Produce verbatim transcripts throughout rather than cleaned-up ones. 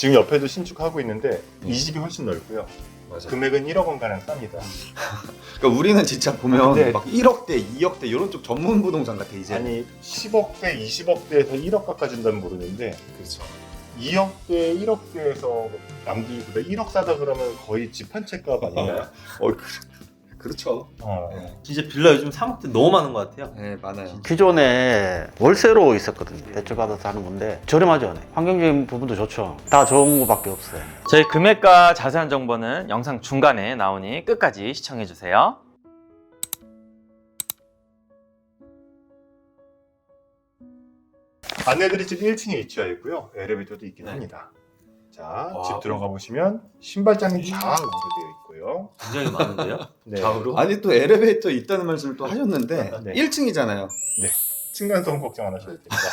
지금 옆에도 신축하고 있는데 이 집이 훨씬 넓고요. 맞아. 금액은 일억 원가량 쌉니다. 그러니까 우리는 진짜 보면 네. 막 일억대, 이억대 이런 쪽 전문 부동산 같아 이제. 아니 십억대, 이십억대에서 일억가까지 준다면 모르는데 그렇죠. 이억대, 일억대에서 남들보다 일억 사다 그러면 거의 집 한 채 값 아닌가요? 어, 그, 그렇죠. 어. 네. 진짜 빌라 요즘 삼억대 너무 많은 것 같아요. 네, 많아요. 기존에 월세로 있었거든요. 대출 받아서 하는 건데 저렴하죠. 환경적인 부분도 좋죠. 다 좋은 거밖에 없어요. 저희 금액과 자세한 정보는 영상 중간에 나오니 끝까지 시청해주세요. 안내드릴 집 일 층에 위치하여 있고요. 엘리베이터도 있긴 네. 합니다. 자, 와. 집 들어가 보시면 신발장이 좌우로 되어 있고요. 굉장히 많은데요? 네. 좌우로? 아니 또 엘리베이터 있다는 말씀을 또 하셨는데 네. 일 층이잖아요. 층간소음 걱정 안 하셔도 됩니다.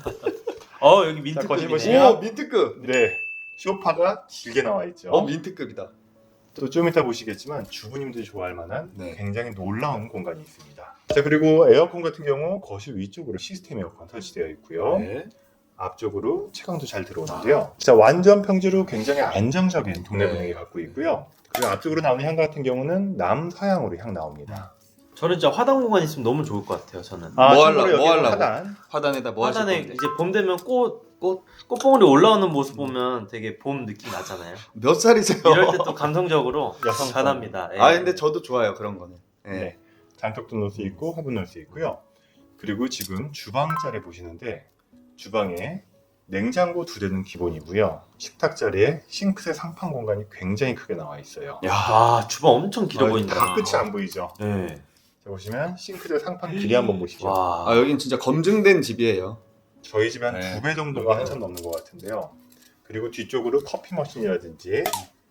어 여기 자, 거실 민트급이네. 보시면 오, 민트급. 네, 소파가 길게 나와 있죠. 어, 민트급이다. 또 좀 이따 보시겠지만 주부님들이 좋아할 만한 네. 굉장히 놀라운 공간이 있습니다. 자, 그리고 에어컨 같은 경우 거실 위쪽으로 시스템 에어컨 설치되어 있고요. 네. 앞쪽으로 채광도 잘 들어오는데요. 진짜 완전 평지로 굉장히 안정적인 동네 네. 분위기 갖고 있고요. 그리고 앞쪽으로 나오는 향 같은 경우는 남서향으로 향 나옵니다. 저는 진짜 화단 공간 있으면 너무 좋을 것 같아요. 저는. 뭐 참고로 하려고, 뭐 여기는 하려고? 하단. 화단에다 뭐 하실 화단에 건데? 이제 봄 되면 꽃, 꽃, 꽃봉오리 올라오는 모습 보면 되게 봄 느낌 나잖아요. 몇 살이세요? 이럴 때 또 감성적으로 여성성. 잘합니다. 예. 아 근데 저도 좋아요 그런 거는. 네. 네. 장독도 넣을 수 있고 화분 넣을 수 있고요. 그리고 지금 주방 자리 보시는데 주방에 냉장고 두 대는 기본이고요. 식탁 자리에 싱크대 상판 공간이 굉장히 크게 나와 있어요. 야, 아 주방 엄청 길어 아, 보인다. 다 끝이 안 보이죠? 네. 자, 보시면 싱크대 상판 길이 한번 보시죠. 와. 아 여긴 진짜 검증된 집이에요. 저희 집에 한 네. 두 배 정도가 한참 넘는 것 같은데요. 그리고 뒤쪽으로 커피 머신이라든지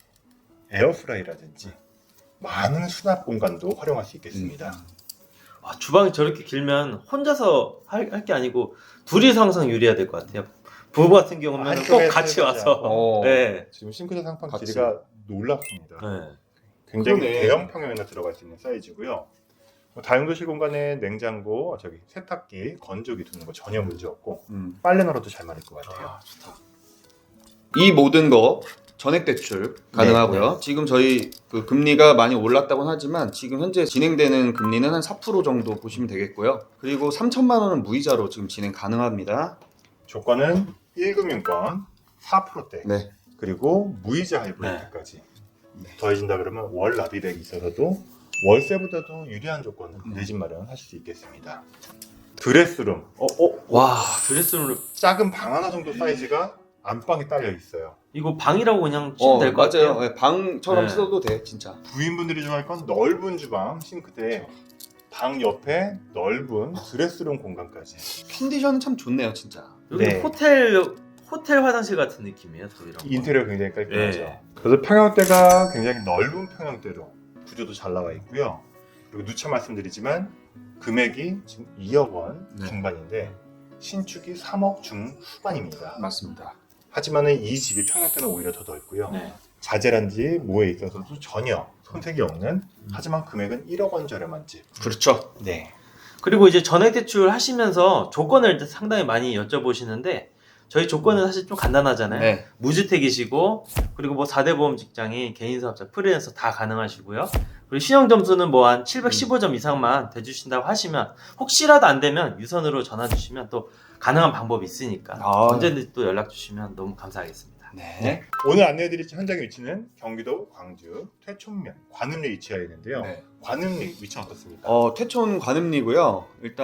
에어프라이라든지 많은 수납 공간도 활용할 수 있겠습니다. 와, 주방이 저렇게 길면 혼자서 할 게 아니고 둘이서 항상 유리해야 될 것 같아요. 부부 같은 경우는 한쪽에 꼭 같이 세우자. 와서. 어. 네. 지금 싱크대 상판 같이. 길이가 놀랍습니다. 네. 굉장히 그러네. 대형 평형에나 들어갈 수 있는 사이즈고요. 뭐 다용도실 공간에 냉장고, 저기 세탁기, 건조기 두는 거 전혀 문제 없고 음. 빨래 널어도 잘 마를 것 같아요. 아, 좋다. 이 모든 거 전액 대출 가능하고요. 네. 지금 저희 그 금리가 많이 올랐다고는 하지만 지금 현재 진행되는 금리는 한 사 퍼센트 정도 보시면 되겠고요. 그리고 삼천만 원은 무이자로 지금 진행 가능합니다. 조건은 일 금융권 사 퍼센트대 네. 그리고 무이자 하이브리드까지 더해진다 그러면 월 납입액이 있어서도 월세보다도 유리한 조건으로 네. 내 집 마련하실 수 있겠습니다. 드레스룸, 어, 어, 와, 드레스룸을 작은 방 하나 정도 사이즈가 안방에 딸려 있어요. 이거 방이라고 그냥 치면 어, 될 것 맞아요. 같아요. 네, 방처럼 네. 써도 돼, 진짜. 부인분들이 좋아할 건 넓은 주방, 싱크대, 방 옆에 넓은 드레스룸 공간까지. 컨디션은 참 좋네요, 진짜. 여기 네. 호텔 호텔 화장실 같은 느낌이에요. 또 이런 거. 인테리어 굉장히 깔끔하죠. 네. 그래서 평형대가 굉장히 넓은 평형대로 구조도 잘 나와 있고요. 그리고 누차 말씀드리지만 금액이 지금 이억 원 네. 중반인데 신축이 삼억 중후반입니다. 맞습니다. 하지만 이 집이 평형대는 오히려 더 넓고요. 네. 자재란지 뭐에 있어서도 전혀 손색이 없는 하지만 금액은 일억 원 저렴한 집. 그렇죠. 네. 그리고 이제 전액 대출 하시면서 조건을 상당히 많이 여쭤보시는데 저희 조건은 사실 좀 간단하잖아요. 네. 무주택이시고 그리고 뭐 사 대 보험 직장인, 개인 사업자, 프리랜서 다 가능하시고요. 그리고 신용 점수는 뭐 한 칠백십오 점 이상만 돼주신다고 하시면 혹시라도 안 되면 유선으로 전화 주시면 또 가능한 방법이 있으니까 아. 언제든지 또 연락 주시면 너무 감사하겠습니다. 네. 오늘 안내해드릴 현장의 위치는 경기도 광주 퇴촌면 관음리에 위치하여 있는데요. 네. 관음리 위치 어떻습니까? 어, 퇴촌 관음리고요.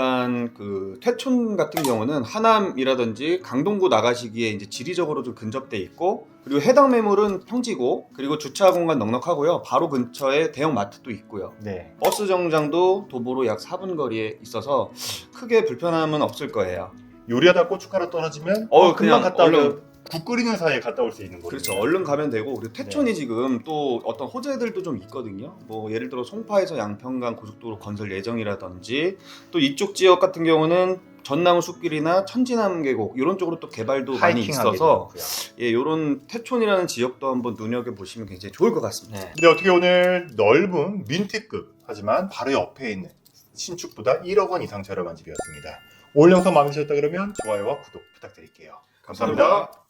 일단 그 퇴촌 같은 경우는 하남이라든지 강동구 나가시기에 이제 지리적으로 좀 근접돼 있고 그리고 해당 매물은 평지고 그리고 주차 공간 넉넉하고요. 바로 근처에 대형 마트도 있고요. 네. 버스 정장도 도보로 약 사 분 거리에 있어서 크게 불편함은 없을 거예요. 요리하다 고춧가루 떨어지면 어, 어, 금방 그냥 갔다 얼른- 오면 국 끓이는 사이에 갔다 올 수 있는 거죠. 그렇죠. 얼른 가면 되고 그리고 퇴촌이 지금 또 어떤 호재들도 좀 있거든요. 뭐 예를 들어 송파에서 양평간 고속도로 건설 예정이라든지 또 이쪽 지역 같은 경우는 전나무 숲길이나 천지남 계곡 이런 쪽으로 또 개발도 많이 있어서 예, 이런 퇴촌이라는 지역도 한번 눈여겨 보시면 굉장히 좋을 것 같습니다. 네. 근데 어떻게 오늘 넓은 민트급 하지만 바로 옆에 있는 신축보다 일억 원 이상 저렴한 집이었습니다. 오늘 영상 마음에 드셨다 그러면 좋아요와 구독 부탁드릴게요. 감사합니다.